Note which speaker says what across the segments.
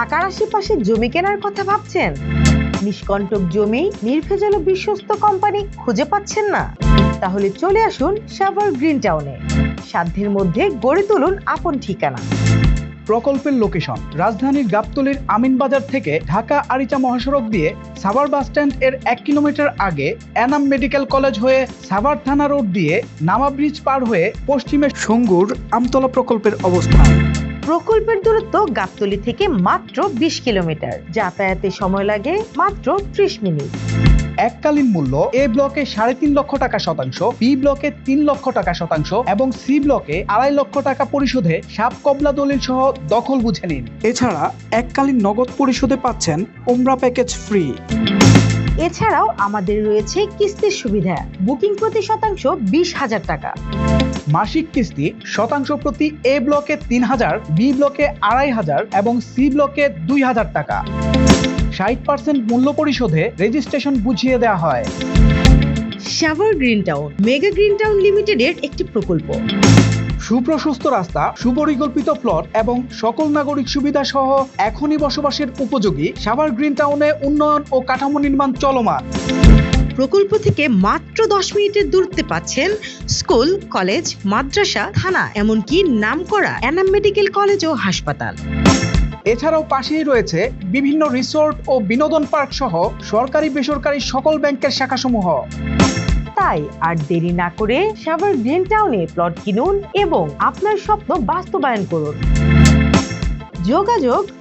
Speaker 1: ঢাকার আশেপাশে জমি কেনার কথা ভাবছেন? নিষ্কণ্টক জমি, নির্ভেজাল ও বিশ্বস্ত কোম্পানি খুঁজে পাচ্ছেন না? তাহলে চলে আসুন সাভার গ্রিন টাউনে। সাধ্যের মধ্যে গড়ে তুলুন আপন ঠিকানা।
Speaker 2: প্রকল্পের লোকেশন রাজধানীর গাবতলীর আমিনবাজার থেকে ঢাকা আরিচা মহাসড়ক দিয়ে সাভার বাসস্ট্যান্ড এর 1 কিলোমিটার আগে এনাম মেডিকেল কলেজ হয়ে সাভার থানা রোড দিয়ে নামা ব্রিজ পার হয়ে পশ্চিমে সঙ্গুর আমতলা প্রকল্পের অবস্থান।
Speaker 1: প্রকল্পের দূরত্ব গাবতলী থেকে মাত্র 20 কিলোমিটার। যাতায়াতে সময় লাগে মাত্র 30 মিনিট।
Speaker 2: এককালীন মূল্য এ ব্লকে 3.5 লক্ষ টাকা শতাংশ, বি ব্লকে 3 লক্ষ টাকা শতাংশ এবং সি ব্লকে 2.5 লক্ষ টাকা পরিশোধে সাব কবলা দলিল সহ দখল বুঝে নিন। এছাড়া এককালীন নগদ পরিশোধে পাচ্ছেন উমরা প্যাকেজ ফ্রি।
Speaker 1: এছাড়াও আমাদের রয়েছে কিস্তির সুবিধা। বুকিং প্রতি শতাংশ 20,000 টাকা।
Speaker 2: মাসিক কিস্তি শতাংশ প্রতি এ ব্লকে 3,000, বি ব্লকে 2,500 এবং সি ব্লকে 2,000 টাকা। 60% মূল্য পরিশোধে রেজিস্ট্রেশন বুঝিয়ে দেওয়া হয়।
Speaker 1: Savar green town mega green town লিমিটেডের একটি প্রকল্প।
Speaker 2: সুপ্রশস্ত রাস্তা, সুপরিকল্পিত প্লট এবং সকল নাগরিক সুবিধা সহ এখনই বসবাসের উপযোগী সাভার গ্রিন টাউনে উন্নয়ন ও কাঠামো নির্মাণ চলমান।
Speaker 1: প্রকল্প থেকে মাত্র 10 মিনিটের দূরত্বে পাচ্ছেন স্কুল, কলেজ, মাদ্রাসা, থানা, এমনকি নামকরা এনাম মেডিকেল কলেজ ও হাসপাতাল।
Speaker 2: এছাড়াও পাশেই রয়েছে বিভিন্ন রিসোর্ট ও বিনোদন পার্ক সহ সরকারি বেসরকারি সকল ব্যাংকের শাখাসমূহ।
Speaker 1: তাই আর দেরি না করে সাভার গ্রিন টাউনে প্লট কিনুন এবং আপনার স্বপ্ন বাস্তবায়ন করুন। যোগাযোগ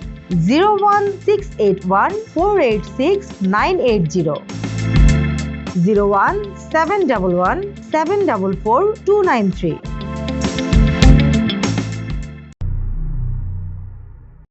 Speaker 1: 01681486980, 01711744293।